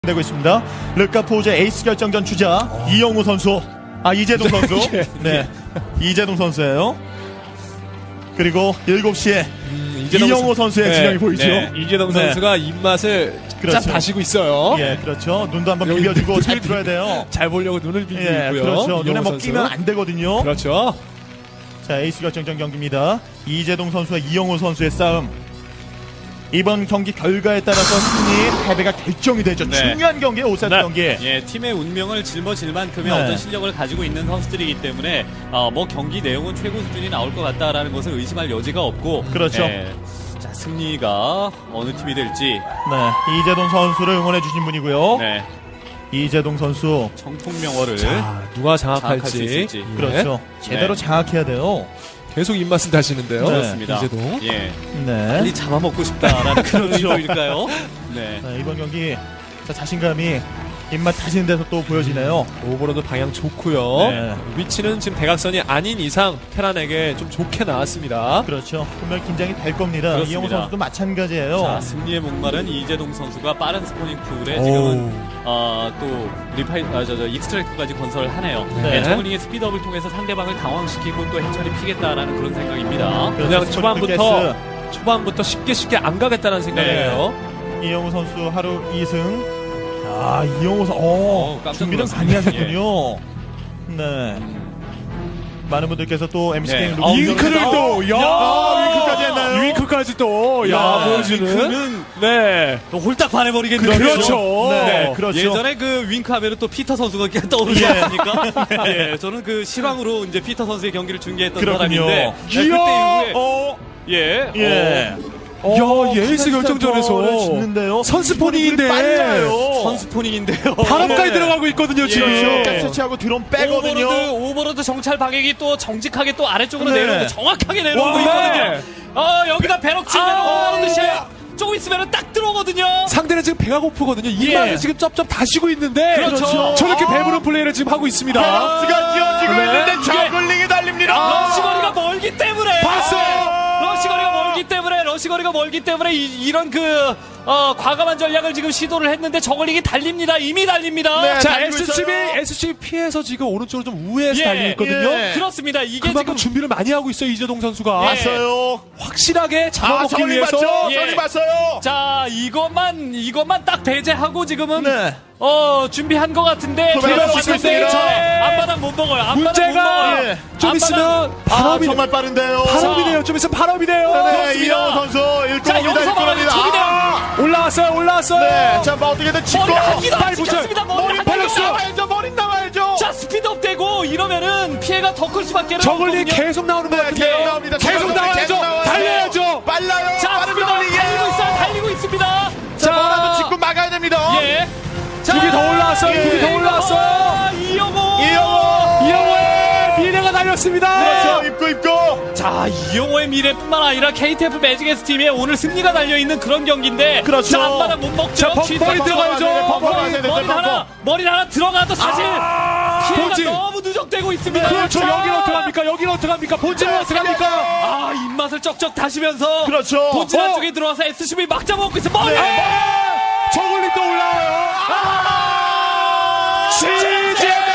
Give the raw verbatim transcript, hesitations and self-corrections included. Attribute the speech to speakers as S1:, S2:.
S1: 되고 있습니다. 르카포즈의 에이스 결정전 주자 어. 이영우 선수, 아 이재동 선수, 예. 네 이재동 선수예요. 그리고 일곱 시에 음, 이영우 선수의 네. 진영이 보이죠. 네.
S2: 이재동 선수가 네. 입맛을 그렇죠. 짠 다시고 있어요.
S1: 예, 그렇죠. 눈도 한번 비벼주고 잘 들어야 돼요.
S2: 잘 보려고 눈을 비비고
S1: 예,
S2: 있고요.
S1: 그렇죠. 눈에 뭐 끼면 안 되거든요.
S2: 그렇죠.
S1: 자, 에이스 결정전 경기입니다. 이재동 선수와 이영우 선수의 싸움. 이번 경기 결과에 따라서 승리, 패배가 결정이 되죠. 네. 중요한 경기에 오 세트 네. 경기.
S3: 예, 팀의 운명을 짊어질 만큼의 네. 어떤 실력을 가지고 있는 선수들이기 때문에 어, 뭐 경기 내용은 최고 수준이 나올 것 같다라는 것을 의심할 여지가 없고.
S1: 그렇죠.
S3: 예, 자, 승리가 어느 팀이 될지.
S1: 네, 이재동 선수를 응원해 주신 분이고요. 네. 이재동 선수
S3: 정통명어를
S2: 자, 누가 장악할지.
S3: 장악할
S1: 네. 그렇죠. 제대로 네. 장악해야 돼요.
S2: 계속 입맛을 다시는데요.
S3: 네. 그렇습니다.
S2: 이재동.
S3: 예.
S1: 네.
S3: 빨리 잡아먹고 싶다라는 그런 의도일까요? 네.
S1: 네. 이번 경기 자, 자신감이 입맛 다시는 데서 또 보여지네요.
S2: 오버로드 방향 좋고요.
S1: 네.
S2: 위치는 지금 대각선이 아닌 이상 테란에게 좀 좋게 나왔습니다.
S1: 그렇죠. 분명 긴장이 될 겁니다.
S3: 그렇습니다.
S1: 이영호 선수도 마찬가지예요.
S3: 자, 승리의 목마른 이재동 선수가 빠른 스포닝 툴에 지금은 어, 또 리파이, 아, 저, 저, 익스트랙트까지 건설하네요.
S1: 네.
S3: 네, 저글링의 스피드업을 통해서 상대방을 당황시키고 또 해처리 피겠다라는 그런 생각입니다.
S2: 그냥 초반부터 초반부터 쉽게 쉽게 안 가겠다는 생각이에요.
S1: 네. 이영호 선수 하루 이 승. 아, 이영호 선수, 어, 어 준비를 많이 하셨군요. 예. 네. 많은 분들께서 또 엠씨케이
S2: 네. 윙크를 또, 야,
S1: 야 윙크까지 했나요?
S2: 윙크까지 또, 야, 보여주는.
S3: 윙크는
S2: 네.
S3: 또 홀딱 반해버리겠네요.
S2: 그렇죠.
S1: 네.
S3: 네.
S1: 그렇죠.
S3: 예전에 그 윙크 하면 또 피터 선수가 떠오르지 않습니까? 예. 저는 그 실황으로 이제 피터 선수의 경기를 중계했던
S1: 그렇군요.
S3: 사람인데. 네, 그때 이후에.
S1: 어,
S3: 예.
S1: 예.
S2: 어, 야, 예스 결정전에서 선스포닝인데
S3: 선스포닝인데요.
S2: 바람까지
S1: 네.
S2: 들어가고 있거든요. 지금
S1: 예. 가스치하고 드론 빼거든요.
S3: 오버로드, 오버로드 정찰 방향이 또 정직하게 또 아래쪽으로
S1: 네.
S3: 내려오고 정확하게 내려오고
S2: 와,
S3: 있거든요.
S2: 네.
S3: 어, 여기다 배럭 치면
S2: 아,
S3: 오버로드 쉐 조금 있으면 딱 들어오거든요.
S2: 상대는 지금 배가 고프거든요. 입맛을
S3: 예.
S2: 지금 쩝쩝 다시고 있는데
S3: 그렇죠.
S2: 저렇게
S3: 아.
S2: 배부른 플레이를 지금 하고 있습니다.
S1: 베럭스가 지어지고
S2: 네.
S1: 있는데 저글링이 달립니다.
S3: 아, 러시거리가 멀기 때문에
S2: 봤어요.
S3: 러시거리가 멀기 때문에 러시거리가 멀기 때문에 이, 이런 그 어, 과감한 전략을 지금 시도를 했는데 저글링이 달립니다. 이미 달립니다.
S1: 네.
S2: 자,
S1: 달리고
S2: 에스씨비,
S1: 있어요.
S2: 에스씨비 피해서 지금 오른쪽으로 좀 우회해서
S3: 예,
S2: 달리고 있거든요.
S1: 예.
S3: 그렇습니다. 이게
S2: 그만큼
S3: 지금
S2: 준비를 많이 하고 있어요, 이재동 선수가.
S3: 예.
S1: 봤어요.
S2: 확실하게
S1: 아,
S2: 잡아먹기
S1: 저글링
S2: 위해서.
S1: 봤죠?
S3: 예.
S1: 저글링 봤어요.
S3: 자, 이것만 이것만 딱 배제하고 지금은
S1: 네.
S3: 어 준비한 것 같은데
S1: 도배가
S3: 제가
S1: 찍고
S3: 왔는데
S1: 있습니다.
S3: 전에 앞바닥 못 먹어요. 앞바닥 못
S2: 문제가
S3: 먹어요.
S1: 예.
S2: 좀
S3: 앞바닥-
S2: 있으면
S1: 아,
S2: 바람이
S1: 정말 빠른데요.
S2: 바람이네요. 좀 있으면 바람이네요.
S1: 네,
S3: 그렇습니다.
S1: 이영호 선수 일곱
S3: 자,
S1: 입니다.
S3: 여기서 말하는 초기대요.
S1: 아,
S2: 올라왔어요. 올라왔어요.
S1: 네, 자, 뭐 어떻게든 짚고
S3: 머리 한 기도 안
S2: 빨리 붙여요.
S3: 찍혔습니다. 머리
S1: 머리
S3: 한
S1: 빨리
S3: 기도.
S1: 나와야죠. 머리 나와야죠.
S3: 자, 스피드업 되고 이러면은 피해가 더 클 수밖에
S2: 저글링
S3: 없거든요.
S2: 계속 나오는 것
S1: 네,
S2: 같은데.
S1: 계속 나옵니다.
S2: 계속
S1: 계속
S2: 나와야죠.
S1: 나와요.
S2: 달려야죠.
S1: 빨라요.
S3: 자,
S1: 빠른
S3: 스피드업
S1: 저글링이에요.
S3: 달리고 있어요. 달리고 있습니다.
S1: 자, 뭐라도 짚고 막아야 됩니다.
S3: 예. 자,
S2: 두개 더 올라왔어요.
S1: 예.
S2: 두 개 더 올라왔어요.
S3: 아, 이영호.
S1: 이영호.
S2: 이영호의 미래가 달렸습니다.
S1: 그렇죠. 입고 입고.
S3: 자, 이영호의 미래뿐만 아니라 케이티에프 매직에스 팀의 오늘 승리가 달려있는 그런 경기인데
S1: 그렇죠.
S3: 자, 앞바닥 못 먹죠.
S2: 자, 벙-
S3: 진짜
S2: 벙이
S3: 벙-
S2: 들어가야죠.
S3: 벙-
S1: 벙-
S3: 머리,
S1: 벙-
S3: 머리
S1: 벙-
S3: 하나 머리 하나 들어가도 사실 피해가
S2: 본진.
S3: 너무 누적되고 있습니다.
S2: 그렇죠.
S3: 자,
S2: 여기는 어떡합니까? 여기는 어떡합니까? 본진은 어떡합니까?
S3: 아, 입맛을 쩍쩍 다시면서
S1: 그렇죠.
S3: 본진
S2: 어.
S3: 안쪽에 들어와서 에스씨비 막 잡아먹고 있어. 머리!
S1: 네.
S2: 저글링 또 올라와요.
S3: 아!
S2: 지지!